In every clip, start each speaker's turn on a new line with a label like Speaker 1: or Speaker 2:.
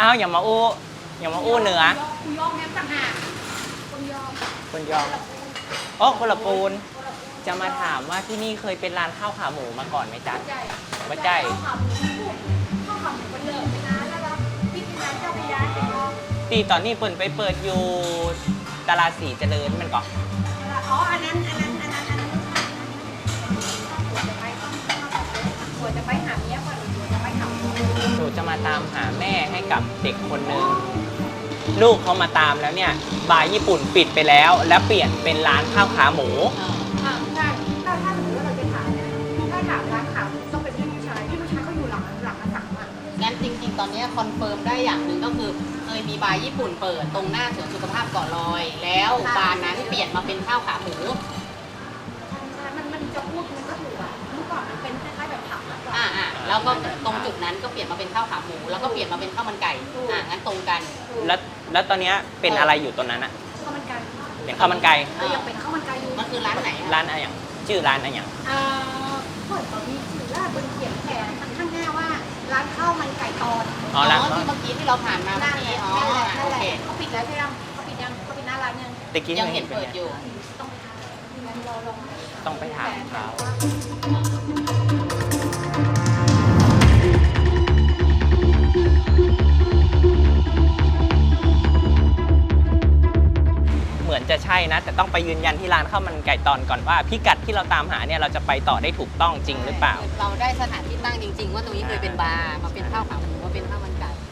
Speaker 1: อ้าวอย่ามาอู้เหนือ
Speaker 2: คุณยอมแม่ต่างหากคุณยอม
Speaker 1: อ๋อคนละปูนจะมาถามว่าที่นี่เคยเป็นร้านข้าวขาหมูมาก่อนไหมจ๊ะไม่ใช่
Speaker 2: ข้าวขาหมูมันเลิกไปนานแล้วที่เป็นร้านเจ้าพระยาเป็นยอม
Speaker 1: ตีตอนนี้เปิดอยู่ตลาดสีเจริญมันก่อน
Speaker 2: อ๋ออันนั้นหัวจะไปหาเมียก่อนหัวจะไปหา
Speaker 1: หนูจะมาตามหาแม่ให้กับเด็กคนหนึ่งลูกเขามาตามแล้วเนี่ยบาร์ญี่ปุ่นปิดไปแล้วเปลี่ยนเป็นร้านข้าวขาหมู
Speaker 2: ใช่ถ้าสมมติว่าเราจะถามเนี่ยถ้าถามร้านขาหมูต้องเป็นพี่ผู้ชายเขาอยู่หลังสั่งอ่ะ
Speaker 3: งั้นจริงๆตอนนี้คอนเฟิร์มได้อย่างหนึ่งก็คือเคยมีบาร์ญี่ปุ่นเปิดตรงหน้าสวนสุขภาพเกาะลอยแล้วบาร์นั้นเปลี่ยนมาเป็นข้าวขาหมู
Speaker 2: มันจะพูดมันก็ถูกอ่ะเมื่อก่อนมันเป็นคล้ายๆแบบผับ
Speaker 3: แล้วก็ตรงจุดนั้นก็เปลี่ยนมาเป็นข้าวขาหมูแล้วก็เปลี่ยนมาเป็นข้าวมันไก่งั้นตรงกัน
Speaker 1: แล้วตอนนี้เป็นอะไรอยู่ตรงนั้นอะ
Speaker 2: ข้าวมันไก่
Speaker 1: เป็นข้าวมันไก่
Speaker 2: ยังเป็นข้าวมันไก่อยู่
Speaker 3: มันคือร้านไหน
Speaker 1: ร้านอะไรอย่างชื่อร้านอะไรอย่าง
Speaker 2: เปิดตอนนี้ถือว่าบนเขียนแผนข้างหน้าว่าร้านข้าวมันไก่ตอน
Speaker 3: ที่เมื่อกี้ที่เราผ่านมาเมื่อกี้
Speaker 2: โอเคเขาปิดแล้วใช่ไหมเขาปิดหน้าร้าน
Speaker 3: ยังเห็นเปิดอยู่
Speaker 1: ต้องไปถามเขาเหมือนจะใช่นะแต่ต้องไปยืนยันที่ร้านข้าวมันไก่ตอนก่อนว่าพิกัดที่เราตามหาเนี่ยเราจะไปต่อได้ถูกต้องจริงหรือเปล่า
Speaker 3: เราได้สถานที่ตั้งจริงๆว่าตรงนี้เคยเป็นบาร์มาเป็นข้าวขาหมูมาเป็นข้าวมันไก่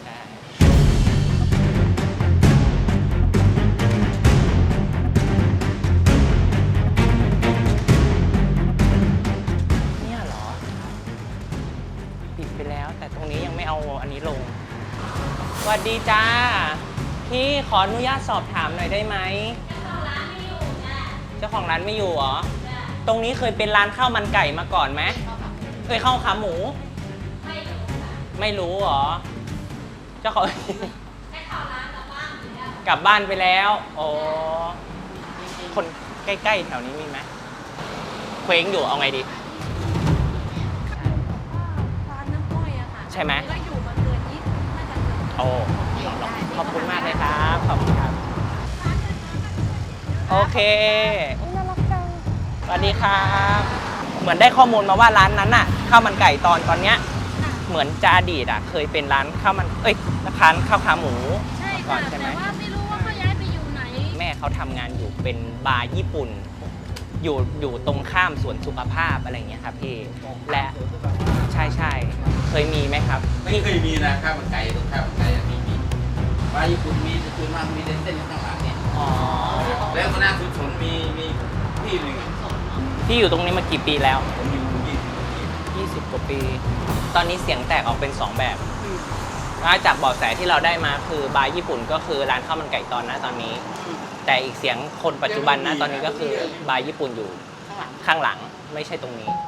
Speaker 1: เนี่ยเหรอปิดไปแล้วแต่ตรงนี้ยังไม่เอาอันนี้ลงสวัสดีจ้าพี่ขออนุญาตสอบถามหน่อยได้ไหมเจ้าของร้านไม่อยู่เหรอตรงนี้เคยเป็นร้านข้าวมันไก่มาก่อนไหมเคยข้าวขาหมูไม่รู้เหรอเจ้าของกลับบ้านไปแล้วอ๋อคนใกล้ๆแถวนี้มีไหมเคว้งอยู่เอาไงดี
Speaker 2: ร้านน้ำอ้อยอะค่ะ
Speaker 1: ใช่ไหม
Speaker 2: ก็อยู่มาเกิน20น่าจะเกิน
Speaker 1: โอ้ขอบคุณมากเลยครับขอบคุณครับโอเคสวัสดีครับเหมือนได้ข้อมูลมาว่าร้านนั้นน่ะข้าวมันไก่ตอนเนี้ยเหมือนจะอดีตเคยเป็นร้านข้าวมันร้านข้าวขาหมู
Speaker 2: ก่อนใช่ไหมแต่ว่าไม่รู้ว่าเขาย้ายไปอยู่ไหน
Speaker 1: แม่เขาทำงานอยู่เป็นบาร์ญี่ปุ่นอยู่ตรงข้ามสวนสุขภาพอะไรเงี้ยครับพี่และใช่เคยมีไหมครับ
Speaker 4: ไม่เคยมีนะข้าวมันไก่ตรงข้าวมันไก่มีบาร์ญี่ปุ่นมีแต่ส่วนมากมีเส้นข้างหลังเนี่ยแล้วก็หน้าสุดสนมีที่หนึ่ง
Speaker 1: ที่อยู่ตรงนี้มากี่ปีแล้ว
Speaker 4: ผมอยู่
Speaker 1: 20 กว่าปี ตอนนี้เสียงแตกออกเป็น2แบบจากเบาะแสที่เราได้มาคือบาร์ญี่ปุ่นก็คือร้านข้าวมันไก่ตอนนะตอนนี้แต่อีกเสียงคนปัจจุบันนะตอนนี้ก็คือบาร์ญี่ปุ่นอยู่ข้างหลังไม่ใช่ตรงนี้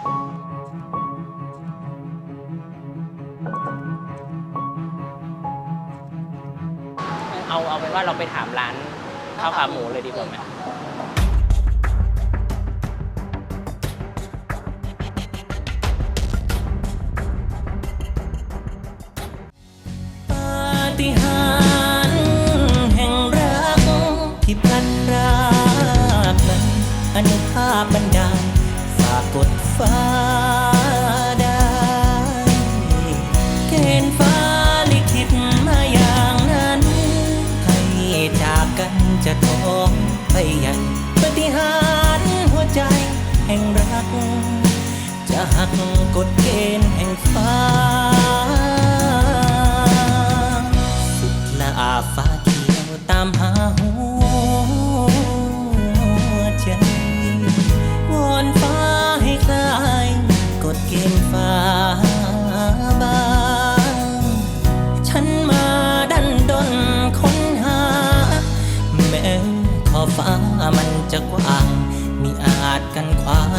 Speaker 1: เอาเป็นว่าเราไปถามร้านข้าวขาหมูเลยดีกว่าไหมปาฏิหาริย์แห่งรักที่พลัดพรากนั้นอนุภาพบันดาลฝากกดฟ้าได้เกณฑ์ฟ้าลิขิตมาอย่างนั้นให้จากกันจะท้องไปใหญ่ปาฏิหาริย์หัวใจแห่งรักจะหักกฎเกณฑ์แห่งฟ้าสุดละอาฟ้าเขียวตามหาหัวใจวอนฟ้าให้คลายกฎเกณฑ์ฟ้าบางฉันมาดันดนค้นหาแม้ขอบฟ้ามันจะกว้างมิอาจกันขวาง